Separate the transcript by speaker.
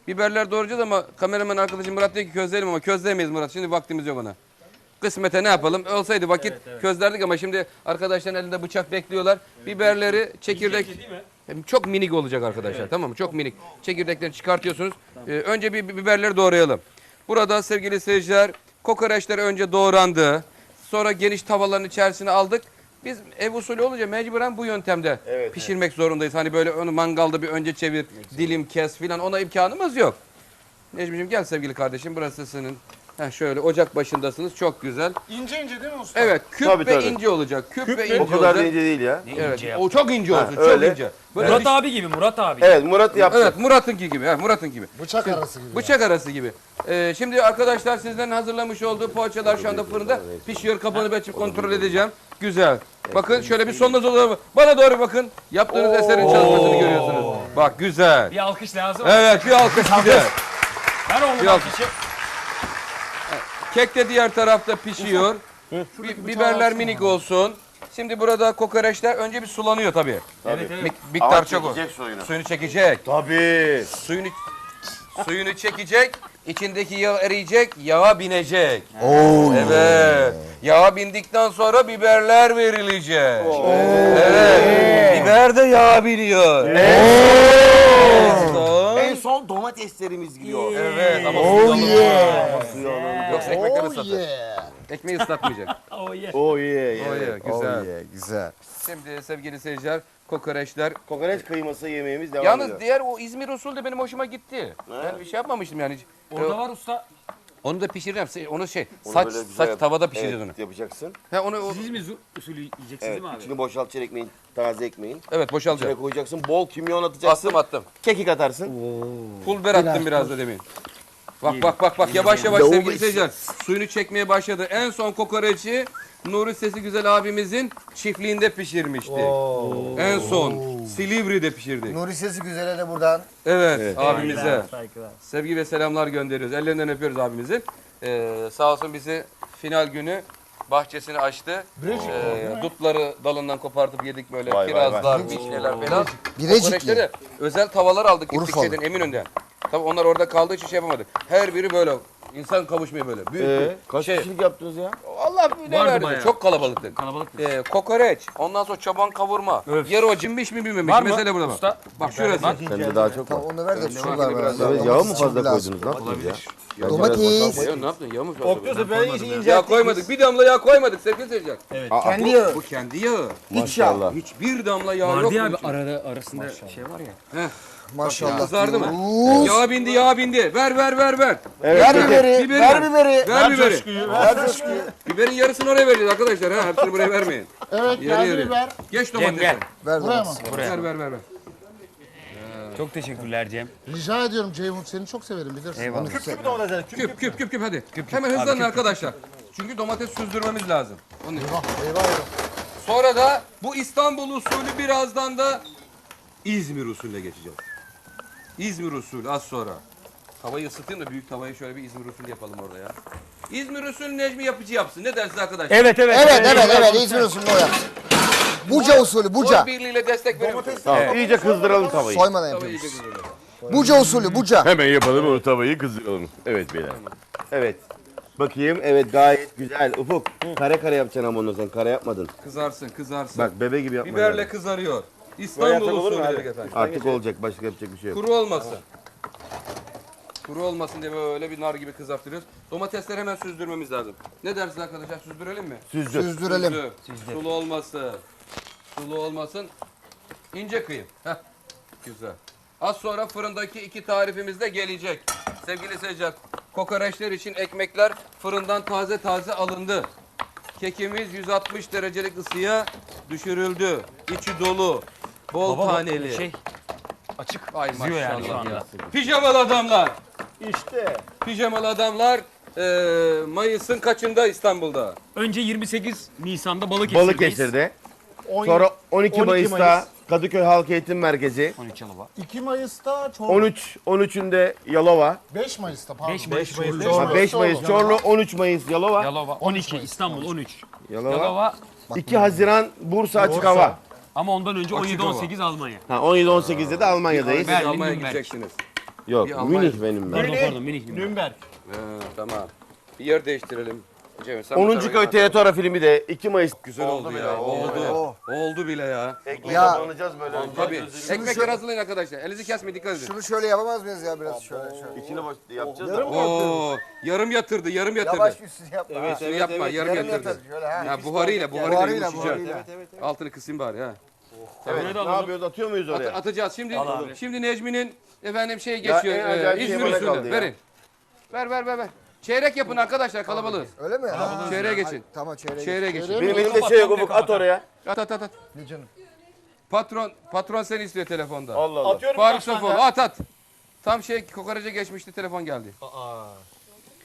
Speaker 1: Biberler doğrayacağız ama kameraman arkadaşım Murat diyor ki közleyelim ama közleyemeyiz Murat. Şimdi vaktimiz yok ona. Kısmete ne yapalım? Olsaydı vakit közlerdik ama şimdi arkadaşların elinde bıçak bekliyorlar. Biberleri çekirdek... Çok minik olacak arkadaşlar, tamam mı? Çok minik. Çekirdeklerini çıkartıyorsunuz. Önce bir biberleri doğrayalım. Burada sevgili seyirciler, kokoreçler önce doğrandı. Sonra geniş tavalların içerisine aldık. Biz ev usulü olunca mecburen bu yöntemde pişirmek zorundayız. Hani böyle onu mangalda bir önce çevir, dilim kes filan, ona imkanımız yok. Necmi'ciğim gel sevgili kardeşim, burası senin. Şöyle ocak başındasınız, çok güzel.
Speaker 2: İnce ince değil mi usta?
Speaker 1: Evet, küp
Speaker 3: Tabii,
Speaker 1: ve
Speaker 3: tabii.
Speaker 1: ince olacak. Küp ve ince
Speaker 3: O kadar da
Speaker 1: olacak.
Speaker 3: ince değil ya.
Speaker 1: Evet, o çok ince olsun, çok
Speaker 3: öyle.
Speaker 1: ince. Böyle
Speaker 4: Murat abi gibi, Murat abi.
Speaker 3: Evet, Murat yaptı.
Speaker 1: Evet, Murat'ınki gibi. Evet, Murat'ın gibi.
Speaker 2: Bıçak arası gibi.
Speaker 1: Bıçak arası gibi. Şimdi arkadaşlar sizlerin hazırlamış olduğu poğaçalar şu anda fırında pişiyor. Kapağını ben kontrol edeceğim. Güzel. Bakın şöyle bir sonuna doğru. Bana doğru bakın. Yaptığınız eserin çalışmasını görüyorsunuz. Bak güzel.
Speaker 4: Bir alkış lazım.
Speaker 1: Evet, bir alkış güzel.
Speaker 4: Ver oğlum
Speaker 1: Bir
Speaker 4: alkışı.
Speaker 1: Kek de diğer tarafta pişiyor. Biberler minik olsun. Şimdi burada kokoreçler önce bir sulanıyor tabii.
Speaker 4: Evet evet.
Speaker 1: Miktar
Speaker 3: Ama
Speaker 1: çok o.
Speaker 3: çekecek suyunu.
Speaker 1: Suyunu çekecek.
Speaker 3: Tabii.
Speaker 1: Suyunu çekecek. İçindeki yağ eriyecek, yağa binecek. Evet. Yağa bindikten sonra biberler verilecek. Evet. Biber de yağa biniyor.
Speaker 3: En son domateslerimiz giriyor.
Speaker 1: Evet ama suyu alalım. Yoksa ekmekleri ıslatır. Ekmeği ıslatmayacak.
Speaker 4: Oh yeah.
Speaker 3: Oh yeah.
Speaker 1: Oh yeah, güzel.
Speaker 2: Güzel.
Speaker 1: Şimdi sevgili seyirciler, kokoreçler.
Speaker 3: Kokoreç kıyması yemeğimiz devam
Speaker 1: Yalnız
Speaker 3: ediyor.
Speaker 1: diğer o İzmir usulü de benim hoşuma gitti. Ben bir şey yapmamıştım yani.
Speaker 4: Orada var usta.
Speaker 1: Onu da pişireceğim. Onu
Speaker 3: Onu
Speaker 1: saç
Speaker 3: böyle güzel yap.
Speaker 1: tavada pişireceğiz onu.
Speaker 3: Yapacaksın.
Speaker 4: Siz mi usulü yiyeceksiniz
Speaker 3: Evet.
Speaker 4: değil mi abi?
Speaker 3: İçini boşaltacaksın ekmeğin, taze ekmeğin.
Speaker 1: Evet,
Speaker 3: İçine
Speaker 1: boşalacak.
Speaker 3: koyacaksın. Bol kimyon atacaksın.
Speaker 1: Attım.
Speaker 3: Kekik atarsın.
Speaker 1: Pul biber attım biraz da demin. Bak yavaş yavaş sevgili seyirciler. Suyunu çekmeye başladı. En son kokoreçi Nuri Sesi Güzel abimizin çiftliğinde pişirmiştik. En son Silivri'de pişirdik.
Speaker 2: Nuri Sesi Güzel'e de buradan.
Speaker 1: Evet, abimize
Speaker 4: Saygılar.
Speaker 1: sevgi ve selamlar gönderiyoruz. Ellerinden öpüyoruz abimizi. Sağ olsun bizi final günü bahçesini açtı. Dutları dalından kopartıp yedik böyle.
Speaker 3: Vay, vay,
Speaker 1: Kirazlar,
Speaker 3: vay.
Speaker 1: vişneler falan.
Speaker 2: Birecikli.
Speaker 1: Kokoreçleri özel tavalar aldık gittik
Speaker 2: Urfalı.
Speaker 1: şeyden Eminönü'nden. Tabii onlar orada kaldığı için şey yapamadık. Her biri böyle insan kavuşmuyor böyle. Büyük
Speaker 3: Kaç
Speaker 1: şey.
Speaker 3: kişilik yaptınız ya?
Speaker 1: Allah ne
Speaker 4: Vardı
Speaker 1: verdi?
Speaker 4: bayağı.
Speaker 1: Çok kalabalıktı.
Speaker 4: Kalabalık.
Speaker 1: Kokoreç, ondan sonra çoban kavurma.
Speaker 4: Öf.
Speaker 1: Yarı o cimmiş mi bilmemiş.
Speaker 4: Var mı?
Speaker 1: Mesele burada bak.
Speaker 4: Usta.
Speaker 1: Bak şurası.
Speaker 4: Bak.
Speaker 3: Sende daha çok var.
Speaker 2: Tamam onu ver de şuralar
Speaker 1: var,
Speaker 2: biraz.
Speaker 1: biraz
Speaker 3: Evet,
Speaker 2: daha.
Speaker 3: yağı mı
Speaker 2: Domates
Speaker 3: fazla
Speaker 2: için biraz.
Speaker 3: koydunuz? Ne yaptınız ya?
Speaker 2: Domates.
Speaker 1: Ya ne yaptın? Yağ mı fazla?
Speaker 3: Okluyorsa ben iyice
Speaker 1: Yağ koymadık. Bir damla yağ koymadık sevgili seyirciler.
Speaker 2: Kendi yağı.
Speaker 1: Bu kendi yağı.
Speaker 3: Maşallah.
Speaker 1: Hiçbir damla yağ yok.
Speaker 4: Vardı ya
Speaker 1: bunun
Speaker 4: abi
Speaker 1: içinde.
Speaker 4: arasında şey var ya.
Speaker 2: Maşallah.
Speaker 1: Kızardı mı?
Speaker 2: diyoruz.
Speaker 1: Yağ bindi. Ver.
Speaker 2: Ver biberi.
Speaker 1: Biberi
Speaker 2: Ver
Speaker 1: ver.
Speaker 2: biberi.
Speaker 1: Ver biberi.
Speaker 2: Ver coşkuyu.
Speaker 1: Biberin yarısını oraya vereceğiz arkadaşlar. Hepsini buraya vermeyin.
Speaker 5: Evet,
Speaker 1: Yarı
Speaker 5: geldi
Speaker 1: yarı.
Speaker 5: biber.
Speaker 1: Geç
Speaker 4: Cem
Speaker 1: domatesi.
Speaker 4: gel.
Speaker 2: Ver
Speaker 5: Buraya mı?
Speaker 2: domatesi.
Speaker 1: Ver.
Speaker 4: Çok teşekkürler Cem.
Speaker 5: Rica ediyorum Ceyhun, seni çok severim bilirsin.
Speaker 4: Eyvallah.
Speaker 1: Küp hadi. Hemen hızlanın arkadaşlar. Çünkü domates süzdürmemiz lazım. Onun için.
Speaker 2: Eyvah.
Speaker 1: Sonra da bu İstanbul usulü birazdan da İzmir usulüne geçeceğiz. İzmir usulü az sonra. Tavayı ısıtayım da büyük tavayı şöyle bir İzmir usulü yapalım orada ya. İzmir usulü Necmi yapıcı yapsın. Ne dersiniz arkadaşlar?
Speaker 4: Evet.
Speaker 2: Evet. İzmir usulü o yapsın. Buca usulü, buca.
Speaker 1: Oy birliğiyle destek verir misiniz?
Speaker 3: Tamam. İyice kızdıralım tavayı.
Speaker 2: Soymadan
Speaker 1: Tavayı
Speaker 2: yapıyoruz.
Speaker 1: iyice kızdıralım.
Speaker 2: Buca usulü, buca.
Speaker 3: Hemen yapalım onu tavayı kızdıralım. Evet beyler. Evet. Bakayım. Evet gayet güzel. Ufuk. Kare kare yapacaksın ama onu sen. Kare yapmadın.
Speaker 1: Kızarsın.
Speaker 3: Bak bebe gibi yapma.
Speaker 1: Biberle
Speaker 3: yani.
Speaker 1: kızarıyor.
Speaker 3: Böyle
Speaker 1: İstanbul
Speaker 3: yapsak olur mu
Speaker 1: usulü
Speaker 3: abi?
Speaker 1: dedik efendim.
Speaker 3: Artık olacak. Başka yapacak bir şey yok.
Speaker 1: Kuru olmasın. Kuru olmasın diye böyle bir nar gibi kızartıyoruz. Domatesleri hemen süzdürmemiz lazım. Ne dersiniz arkadaşlar? Süzdürelim mi?
Speaker 3: Süzdür.
Speaker 2: Süzdürelim.
Speaker 1: Sulu olmasın. Sulu olmasın. İnce kıyım. Heh. Güzel. Az sonra fırındaki iki tarifimiz de gelecek. Sevgili seyirciler, kokoreçler için ekmekler fırından taze alındı. Kekimiz 160 derecelik ısıya düşürüldü. İçi dolu. Bol taneli.
Speaker 4: Şey açık.
Speaker 1: Ay
Speaker 4: Kızıyor yani şu
Speaker 1: maşallah
Speaker 4: anda.
Speaker 1: ya. Pijamalı adamlar.
Speaker 3: İşte.
Speaker 1: Pijamalı adamlar Mayıs'ın kaçında İstanbul'da?
Speaker 4: Önce 28 Nisan'da Balıkesir'deyiz.
Speaker 3: Balıkesir'de. Sonra 12 Mayıs'ta Kadıköy Halk Eğitim Merkezi.
Speaker 4: 13 Yalova.
Speaker 5: 2 Mayıs'ta Çorlu.
Speaker 3: 13'ünde Yalova.
Speaker 5: 5 Mayıs'ta pardon.
Speaker 4: 5 Mayıs
Speaker 3: Ha, 5 Mayıs Çorlu, 13 Mayıs Yalova.
Speaker 4: Yalova 12, İstanbul 13.
Speaker 3: Yalova.
Speaker 4: Yalova
Speaker 3: 2 Haziran Bursa Açık Hava.
Speaker 4: ama ondan önce
Speaker 1: Açık
Speaker 4: 17-18 Almanya.
Speaker 3: Ha, 17-18'de de Almanya'dayız.
Speaker 4: Berlin,
Speaker 1: Almanya
Speaker 4: Nürnberg.
Speaker 1: gideceksiniz.
Speaker 3: Yok
Speaker 1: Bir Almanya-
Speaker 3: Münih benim ben.
Speaker 4: Pardon minik.
Speaker 5: Nürnberg.
Speaker 1: Tamam. Bir yer değiştirelim. Cemil, sen bu
Speaker 3: 10.
Speaker 1: tarafa
Speaker 3: köy
Speaker 1: gel.
Speaker 3: tiyatro filmi de 2 Mayıs.
Speaker 1: Güzel oldu ya. Oldu bile ya.
Speaker 3: Ekmeğe
Speaker 2: Ya.
Speaker 3: banacağız böyle.
Speaker 1: Tabii. Ekmekleri hazırlayın arkadaşlar. Elinizi kesmeyin, dikkat edin.
Speaker 2: Şunu şöyle yapamaz mıyız ya biraz şöyle.
Speaker 3: İçine boş yapacağız da.
Speaker 1: Oo, yarım yatırdı.
Speaker 2: Yavaş üstünü yapma.
Speaker 3: Evet,
Speaker 1: Üstünü
Speaker 3: evet,
Speaker 1: yapma,
Speaker 3: evet.
Speaker 1: yarım
Speaker 2: Yarım
Speaker 1: yatırdı.
Speaker 2: yatır şöyle ha.
Speaker 1: Ya buharıyla
Speaker 2: Buharıyla,
Speaker 1: yumuşayacak.
Speaker 2: buharıyla.
Speaker 1: Altını kısayım bari ha.
Speaker 3: Evet, ne yapıyoruz? Atıyor muyuz oraya?
Speaker 1: Atacağız. Şimdi Necmi'nin efendim şey
Speaker 3: Ya,
Speaker 1: geçiyor.
Speaker 3: en acayip şey
Speaker 1: İzmir
Speaker 3: bana
Speaker 1: usulü.
Speaker 3: kaldı ya.
Speaker 1: Verin. Ver. Çeyrek yapın arkadaşlar, kalabalığız.
Speaker 2: Öyle mi?
Speaker 1: Çeyreğe geçin.
Speaker 2: Tamam çeyreğe.
Speaker 1: Çeyreğe geçin.
Speaker 3: Benim elimde şey yok Ufuk at oraya.
Speaker 1: At.
Speaker 2: Ne canım?
Speaker 1: Patron seni istiyor telefonda.
Speaker 3: Allah Allah.
Speaker 1: Faruk Sofoğlu at. Tam kokoreçe geçmişti, telefon geldi.